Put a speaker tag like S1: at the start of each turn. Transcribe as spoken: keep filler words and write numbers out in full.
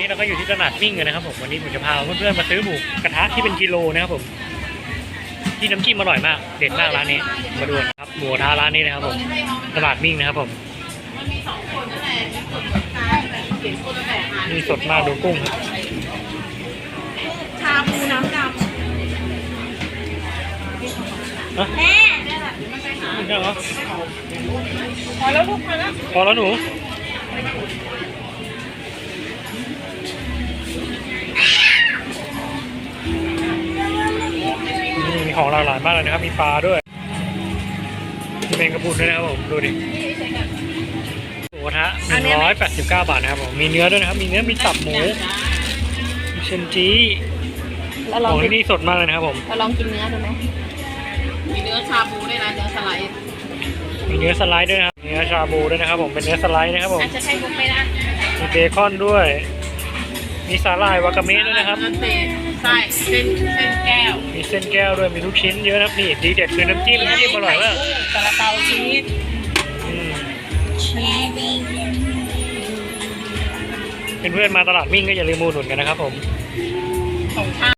S1: นี้เราก็อยู่ที่ตลาดมิ่งกันนะครับผมวันนี้ผมจะพาเพื่อนๆมาซื้อหมูกระทะที่เป็นกิโลนะครับผมที่น้ำจิ้มอร่อยมากเด็ดมากร้านนี้มาดูครับหมูกระทะร้านนี้นะครับผมตลาดมิ่งนะครับผมมีสดมากดูกุ้งครับ
S2: ชาบูน้ำดำแม่
S1: เหรอ
S2: พอแล้วลูกพอแล้ว
S1: พอแล้วหนูนี่มีของหลากหลายมากเลยนะครับมีปลาด้วยมีแมงกะพรุนด้วยนะครับผมดูดิหมูกระทะหนึ่งร้อยแปดสิบเก้าบาทนะครับผมมีเนื้อด้วยนะครับมีเนื้อมีตับหมูมีเชนจีของที่นี่สดมากเลยนะครับผม
S2: เราลองกินเนื้อดูไหมมีเนื้อชาบูด้วยนะเนื้อสไลด์
S1: มีเนื้อสไลด์ด้วยนะครับเนื้อชาบูด้วยนะครับผมเป็นเนื้อสไลด์นะครับผม
S2: อาจจะใช้บุกไม่ได้
S1: มีเบคอนด้วยมีสาหร่ายวากาเมะด้วยนะครับ
S2: ใช่เส้นเส้นแก้ว
S1: มีเส้นแก้วด้วยมีลูกชิ้นเยอะนะครับนี่ดีเด็ดคือน้ำจิ้มน้ำจิ้มอร่อยมาก
S2: ซาลาเปาชีส
S1: อืมเพื่อนๆมาตลาดมิ่งก็อย่าลืมมูหนุนกันนะครับผม
S2: ของข้าว